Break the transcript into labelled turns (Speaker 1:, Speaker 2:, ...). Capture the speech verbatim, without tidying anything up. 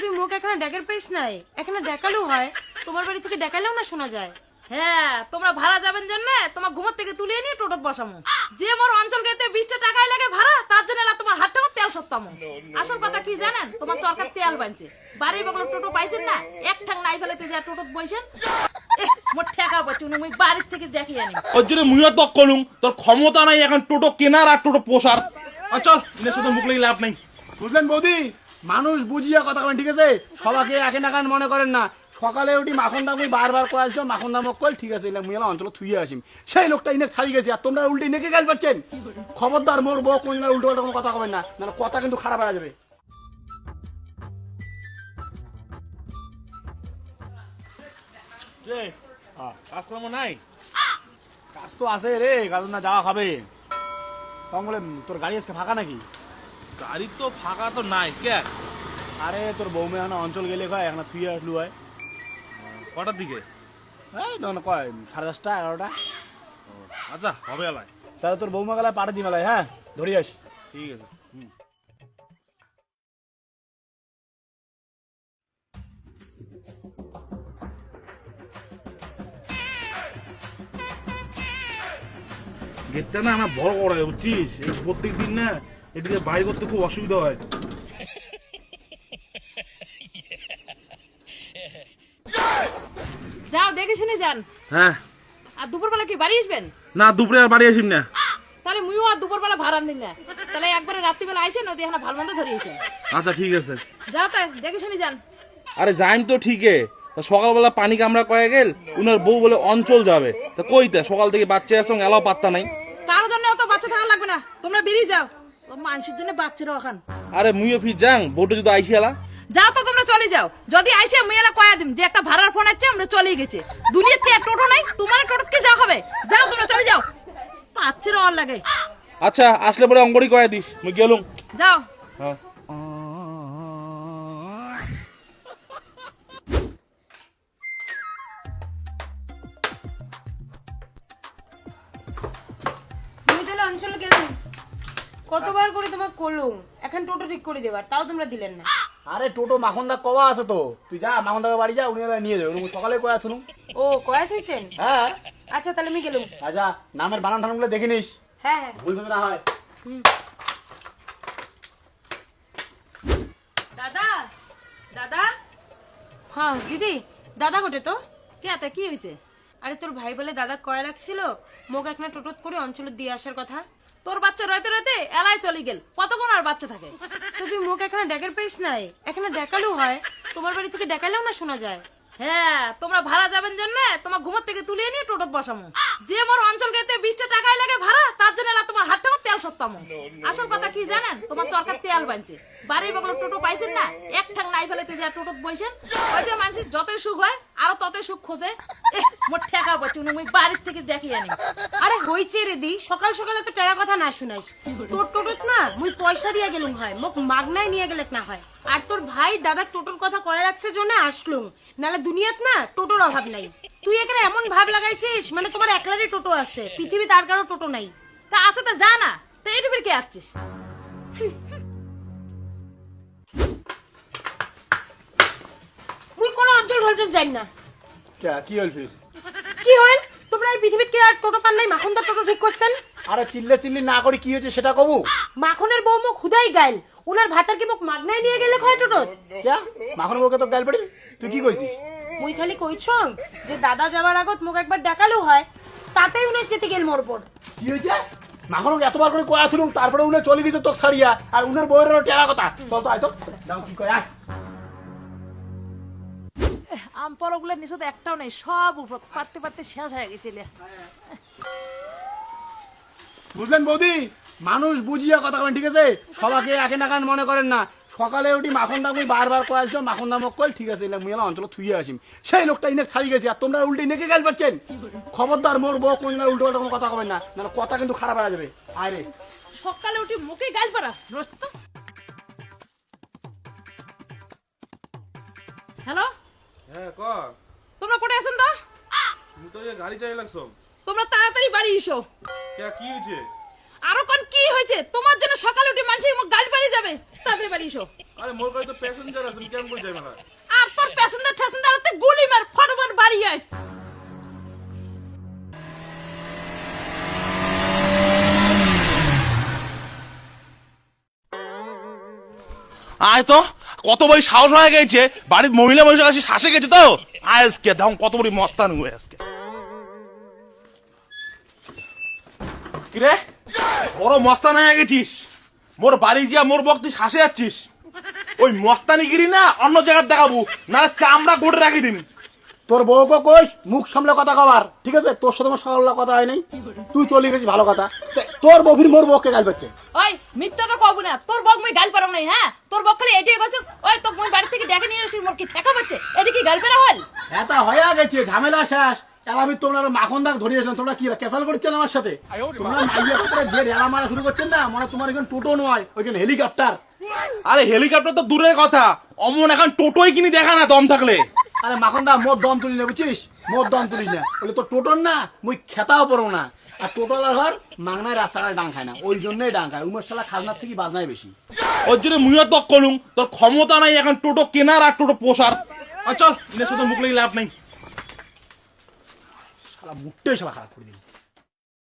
Speaker 1: তুই মুখ এখানে ডেকের পেশ নাই, এখানে ডেকালেও হয়, তোমার বাড়ি থেকে ডেকালেও না শোনা যায়।
Speaker 2: হ্যাঁ, তোমরা ভাড়া যাবেন জন্য তোমার ঘুমোর থেকে তুলে নিয়ে টোটোত বসামো। যে মোর অঞ্চল গেতে বিশটা টাকাই লাগে ভাড়া, তার জন্য এলা তোমার হাত টাকা তেল সত্তামো। আসল কথা কি জানেন, তোমার সরকার তেল বানছে, বাড়ির বগল টোটো পাইছেন না, এক ঠাং নাই ফেলেতে যা টোটোত বইছেন। মোর ঠেকা পাচ্ছি উনি, মুই বাড়ির থেকে দেখি আনি।
Speaker 3: ওর জন্য মুইও তো কলুম, তোর ক্ষমতা নাই এখন টোটো কেনার আর টোটো পোষার। আর চল, এর সাথে মুখ লেগে লাভ নাই।
Speaker 4: বুঝলেন বৌদি, মানুষ বুঝিয়া কথা বলেন, ঠিক আছে? সবাইকে একে নাকান মনে করেন না। সকালে উঠি মাখন দাম বারবার করে আসলো, মাখন দাম কল, ঠিক আছে মুই এলাম অঞ্চল থুয়ে আসিম, সেই লোকটা ইনে ছাড়ি গেছে, আর তোমরা উল্টে নেকে গাল পাচ্ছেন। খবরদার মোর বউ কোন উল্টো পাল্টা কোনো কথা কবেন না, না কথা কিন্তু খারাপ হয়ে যাবে।
Speaker 3: কাজ কর্ম নাই?
Speaker 4: কাজ তো আছে রে, কাজ না যাওয়া খাবে। কম বলে তোর গাড়ি আজকে ফাঁকা নাকি?
Speaker 3: গাড়ি তো ফাঁকা তো নাই। কে?
Speaker 4: আরে তোর বৌমে এখন অঞ্চল গেলে কয় এখন থুয়ে আসলু হয়।
Speaker 3: কটার দিকে?
Speaker 4: এই ধর কয় সাড়ে দশটা এগারোটা।
Speaker 3: আচ্ছা, হবে এলাই।
Speaker 4: তাহলে তোর বৌমা গেলায় পাঠা দি মেলায়, হ্যাঁ ধরে আস।
Speaker 3: ঠিক আছে। হুম। গেটটা না আমার বড় করা হয়, বুঝছিস? এই প্রত্যেক দিন না এদিকে বাইরে করতে খুব অসুবিধা হয়।
Speaker 2: যাও দেখে শুনে যান।
Speaker 3: হ্যাঁ।
Speaker 2: আর দুপুরবেলা কি বাড়ি আসবেন?
Speaker 3: না, দুপুরে আর বাড়ি আসিম না।
Speaker 2: তাহলে মুইও আর দুপুরবেলা ভাড়া দিন না, তাহলে একবারে রাত্রিবেলা আইসেন, ওদি এখানে ভালো মন্দ ধরে আইসেন।
Speaker 3: আচ্ছা ঠিক আছে।
Speaker 2: যাও তাই দেখে শুনে যান।
Speaker 3: আরে যাইম তো ঠিকই, তা সকালবেলা পানি কামড়া কয়ে গেল, উনার বউ বলে অঞ্চল যাবে, তা কইতে সকাল থেকে বাচ্চা আসং এলাও পাত্তা নাই।
Speaker 2: কারোর জন্য অত বাচ্চা থাকা লাগবে না, তোমরা বেরিয়ে যাও। তোর মানুষের জন্য বাচ্চারা ওখান।
Speaker 3: আরে মুইও ফির যাং, বউটা যদি আইসি এলা।
Speaker 2: যাও তো তোমরা চলে যাও, যদি আইসে মেয়েরা কয়া দিম যে একটা ভাড়ার ফোন আছে, আমরা চলে গেছে। দুনিয়াতে আর টোটো নাই, তোমার টোটোকে যাও হবে। যাও তোমরা চলে যাও, বাচ্চারা অর লাগে।
Speaker 3: আচ্ছা, আসলে পরে অঙ্গড়ি কয়ে দিস, মুই গেলুম।
Speaker 2: যাও।
Speaker 3: হ্যাঁ।
Speaker 1: তুমি তাহলে অঞ্চল গেলাম, কতবার করে তোমাকে করলুম এখন টোটো ঠিক করে দেবার, তাও তোমরা দিলেন না।
Speaker 4: আরে টোটো মাখন দা কওয়া আছে তো, তুই যা মাখন দাকে বাড়ি যা, উনি নিয়ে যাবে। সকালে কয়া শুনুন।
Speaker 1: ও কয়া থইছেন?
Speaker 4: হ্যাঁ।
Speaker 1: আচ্ছা তাহলে আমি গেলুম।
Speaker 4: আচ্ছা, নামের বানান টানানগুলো দেখে নিস,
Speaker 1: হ্যাঁ হ্যাঁ।
Speaker 4: ভুল না হয়।
Speaker 1: দাদা, দাদা। হ্যাঁ দিদি, দাদা গোটে তো।
Speaker 2: কে তা কি হয়েছে?
Speaker 1: আরে তোর ভাই বলে দাদা কয়া রাখছিল মোক একটা টোটোত করে অঞ্চল দিয়ে আসার কথা।
Speaker 2: তোর বাচ্চা রইতে রইতে এলাই চলে গেল, কতক্ষণ আর বাচ্চা থাকে?
Speaker 1: তো তুই মুখ এখানে ডেকের পেশ নাই, এখানে ডেকালেও হয়, তোমার বাড়ি থেকে ডেকালেও না শোনা যায়।
Speaker 2: হ্যাঁ, তোমরা ভাড়া যাবেন জন্য তোমার ঘুমোর থেকে তুলে নিয়ে টোটোত বসামো। যে মোর অঞ্চল গেতে বিশটা টাকাই লাগে ভাড়া, তার জন্য এলা তোমার হাত টাকা তেল সত্তামো। আসল কথা কি জানেন, তোমার সরকার তেল বানছে, বাড়ির বগল টোটো পাইছেন না, এক ঠাং নাই ফেলেতে যা টোটোত বইছেন। ওই যে মানুষের যতই সুখ হয় আরো ততই সুখ খোঁজে। মোর ঠেকা পাচ্ছি উনি, মুই বাড়ির থেকে দেখি আনি।
Speaker 1: আরে হইছে রে দি, সকাল সকালে তো টেরা কথা না শুনাইস। তোর টোটোত না মুই পয়সা দিয়া গেলুম হয়, মোক মাগনায় নিয়ে গেলে না হয়। আর তোর ভাই দাদা টোটোর কথা কয়ে রাখছে জন্য আসলুম, নালে দুনিয়াত না টোটোর অভাব নাই। তুই এখানে এমন ভাব লাগাইছিস মানে তোমার একলারই টোটো আছে, পৃথিবী তার কারো টোটো নাই।
Speaker 2: তা আছে তো যা না, তা এইটুকুর কে আসছিস?
Speaker 1: মুই কোনো অঞ্চল ঢলচল যাই না।
Speaker 4: কি হল ফির?
Speaker 1: কি হইল? তোমরা এই পৃথিবীত কি আর টোটো পান নাই? মাখন দা টোটো ঠিক করছেন।
Speaker 4: আরে চিল্লে চিল্লি না করি কি হয়েছে সেটা কবু।
Speaker 1: মাখনের বউ মুখ খুদাই গাইল, উনার ভাতার কি মুখ মাগনায় নিয়ে গেলে হয় টোটো?
Speaker 4: ক্যা মাখন বউকে তো গাল পড়িল, তুই কি কইছিস?
Speaker 1: মুই খালি কইছং যে দাদা যাবার আগত মুখ একবার দেখালেও হয়, তাতেই উনি চেতে গেল মোর উপর।
Speaker 4: কি হয়েছে? মাখন এতবার করে কয়া শুনুন, তারপরে উনি চলে গেছে তোকে ছাড়িয়া, আর উনার বউয়ের টেরা কথা। চল তো আয় তো, দাও কি কয় আয়।
Speaker 2: আম পরগুলোর নিচে তো একটাও নেই, সব উপর পারতে পারতে শেষ হয়ে গেছে।
Speaker 4: বুঝলেন বৌদি, মানুষ বুঝিয়া কথা বলেন, ঠিক আছে? সবাইকে একে নাকান মনে করেন না। সকালে উঠি মাখন দাম বারবার করে আসলো, মাখন দাম কল, ঠিক আছে মুই এলাম অঞ্চল থুয়ে আসিম, সেই লোকটা ইনে ছাড়ি গেছে, আর তোমরা উল্টে নেকে গাল পাচ্ছেন। খবরদার মোর বউ কোন উল্টো পাল্টা কোনো কথা কবেন না, না কথা কিন্তু খারাপ হয়ে যাবে। আয় রে,
Speaker 2: সকালে উঠি মুখে গাল পারা রস্ত। হ্যালো,
Speaker 3: হ্যাঁ ক।
Speaker 2: তোমরা কোথায় আছেন তো?
Speaker 3: তুমি তো এই গাড়ি চাই লাগছো।
Speaker 2: তোমরা তাড়াতাড়ি বাড়ি এসো।
Speaker 3: কে কি হয়েছে?
Speaker 2: আরো কোন কি হয়েছে? তোমার জন্য সকালে উঠে মানুষ গাল পাড়ি যাবে, তাড়াতাড়ি বাড়ি এসো।
Speaker 3: আরে মোর কাছে তো প্যাসেঞ্জার আছে, কেমন করে যাই মেলা?
Speaker 2: আর তোর প্যাসেঞ্জার ট্যাসেঞ্জার তুই গুলি মার ফটাফট বাড়ি আয়।
Speaker 3: আয় তো, কত বড় সাহস হয়ে গেছে, বাড়ির মহিলা মানুষের কাছে শাসে গেছে তো। আজকে দেখুন কত বড় মস্তান হয়ে আজকে। কিরে বড় মস্তান হয়ে গেছিস, মোর বাড়ি যা মোর বক তুই শাসে যাচ্ছিস। ওই মস্তানি গিরি না অন্য জায়গায় দেখাবো, না চামড়া গোটে রাখি দিন।
Speaker 4: তোর বউকে কইস মুখ সামলে কথা কবার, ঠিক আছে? তোর সাথে আমার সকাল কথা হয় নাই, তুই চলে গেছিস ভালো কথা। তে- তোর বউফির মোর বউকে গাল পাচ্ছে।
Speaker 2: ওই মিথ্যা তো কব না, তোর বক মই গাল পারম নাই। হ্যাঁ তোর বক খালি এটাই কইছ, ওই তো মই বাড়ি থেকে ডেকে নিয়ে আসি মোর কি ঠেকা পাচ্ছে, এটা কি গাল পেরা হল?
Speaker 4: এটা হয়ে গেছে, ঝামেলা শেষ। এলাবি তোমরা আরো মাখন দাগ ধরিয়েছিলাম, তোমরা কি ক্যাসাল করছেন আমার সাথে? তোমরা মাইয়া করে যে রেলা মারা শুরু করছেন না, মানে তোমার এখন টোটো নয়, ওইখানে হেলিকপ্টার।
Speaker 3: আরে হেলিকপ্টার তো দূরের কথা, অমন এখন টোটোই কিনি দেখা না দম থাকলে।
Speaker 4: আরে মাখন দা মোর দম তুলি না, বুঝছিস? মোর দম তুলিস না, বলে তোর টোটোর না মুই খেতাও পারবো না। আর টোটোলার ঘর মাংনায় রাস্তাঘাটে ডাং খায় না, ওই জন্যই ডাং খায়। উমের শালা খাজনার থেকে বাজনায় বেশি।
Speaker 3: ওর জন্য মুইও তক করলুম, তোর ক্ষমতা নাই এখন টোটো কেনার আর টোটো পোষার। আর চল ইনের সাথে মুখ লেগে লাভ নাই।
Speaker 4: শালা মুখটাই শালা খারাপ করে দিল।